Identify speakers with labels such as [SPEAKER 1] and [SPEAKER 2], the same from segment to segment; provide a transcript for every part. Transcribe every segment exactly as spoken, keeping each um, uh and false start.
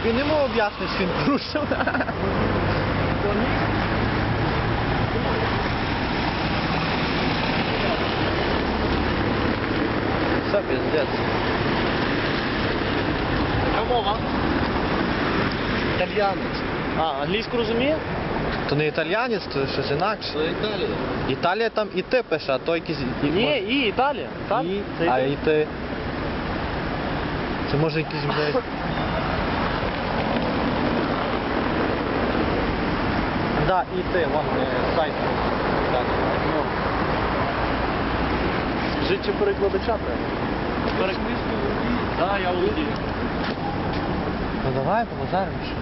[SPEAKER 1] він йому об'яснить, що він порушив. Все, пиздец.
[SPEAKER 2] Яка мова?
[SPEAKER 1] Італіянець.
[SPEAKER 2] А, англійську розуміє?
[SPEAKER 1] То не італіянець, то щось інакше.
[SPEAKER 3] Це Італія.
[SPEAKER 1] Італія там і ти пише, а то якийсь... і-
[SPEAKER 2] Ні, і Італія. Так?
[SPEAKER 1] І,
[SPEAKER 2] Це
[SPEAKER 1] а
[SPEAKER 2] Італія.
[SPEAKER 1] і ти... Це може якийсь, блядь... Да, і ти, вон, е, сайт. Так, ну.
[SPEAKER 2] Скажіть, чи перекладача треба? Перекладача? Так, я володію.
[SPEAKER 1] Ну давай, побазаримо ще.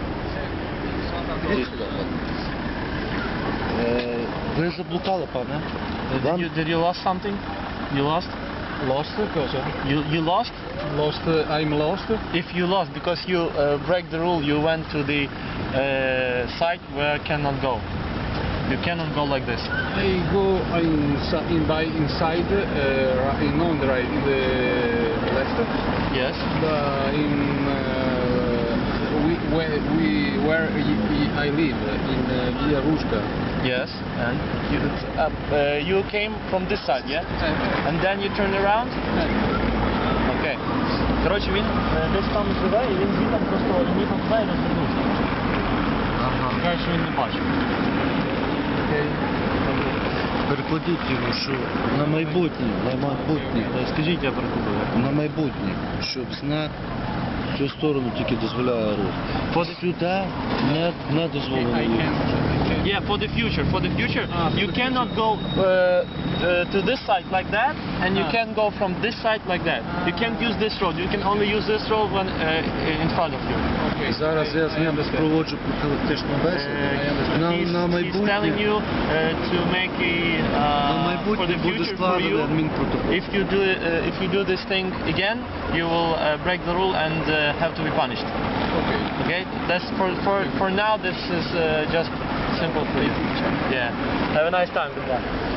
[SPEAKER 3] Е, Ви заблукали, пане.
[SPEAKER 2] Did you, did you lost something? You lost?
[SPEAKER 4] Lost cosa?
[SPEAKER 2] You, you lost?
[SPEAKER 4] Lost, uh, I'm lost.
[SPEAKER 2] If you lost because you uh, break the rule, you went to the uh, site where cannot go. You cannot go like this.
[SPEAKER 4] I go inside, in by inside, uh, in on the right, in the left.
[SPEAKER 2] Yes.
[SPEAKER 4] The, in uh, we where we where I live in uh, Via Ruska.
[SPEAKER 2] Yes. And you, uh, uh, you came from this side, yeah? And then you turn around? Окей. Коротше, він е, десь там живе, і він звідти просто їхав туди і розвернувся.
[SPEAKER 1] Ага.
[SPEAKER 2] Каже, що він не бачив.
[SPEAKER 1] Окей.
[SPEAKER 3] Перекладіть йому, що на майбутнє, на майбутнє,
[SPEAKER 2] Скажіть, я перекладу.
[SPEAKER 3] на майбутнє, щоб знак в цю сторону тільки дозволяє рух. Сюди не, не дозволено
[SPEAKER 4] I
[SPEAKER 3] рух.
[SPEAKER 4] can.
[SPEAKER 2] Yeah, for the future, for the future,
[SPEAKER 4] Ah, for
[SPEAKER 2] you
[SPEAKER 4] the
[SPEAKER 2] cannot
[SPEAKER 4] future.
[SPEAKER 2] go uh, uh, to this side like that, and you
[SPEAKER 4] Ah.
[SPEAKER 2] can go from this side like that. You can't use this road. You can only use this road when uh, in front of you.
[SPEAKER 4] Okay.
[SPEAKER 3] Зараз
[SPEAKER 4] I-
[SPEAKER 3] я
[SPEAKER 4] I
[SPEAKER 3] з ним
[SPEAKER 4] understand.
[SPEAKER 3] проводжу профілактичну бесіду.
[SPEAKER 2] Uh,
[SPEAKER 3] На,
[SPEAKER 2] he's,
[SPEAKER 3] на
[SPEAKER 2] he's telling
[SPEAKER 3] майбутнє,
[SPEAKER 2] you uh, to make a
[SPEAKER 3] на
[SPEAKER 2] uh, for
[SPEAKER 3] майбутнє
[SPEAKER 2] the
[SPEAKER 3] буде
[SPEAKER 2] future for
[SPEAKER 3] складений
[SPEAKER 2] you.
[SPEAKER 3] адмінпротокол.
[SPEAKER 2] If you do uh, if you do this thing again, you will uh, break the rule and uh, have to be punished.
[SPEAKER 4] Okay.
[SPEAKER 2] Okay, that's for for for now. This is uh, just simple for you. Yeah. Have a nice time. Goodbye.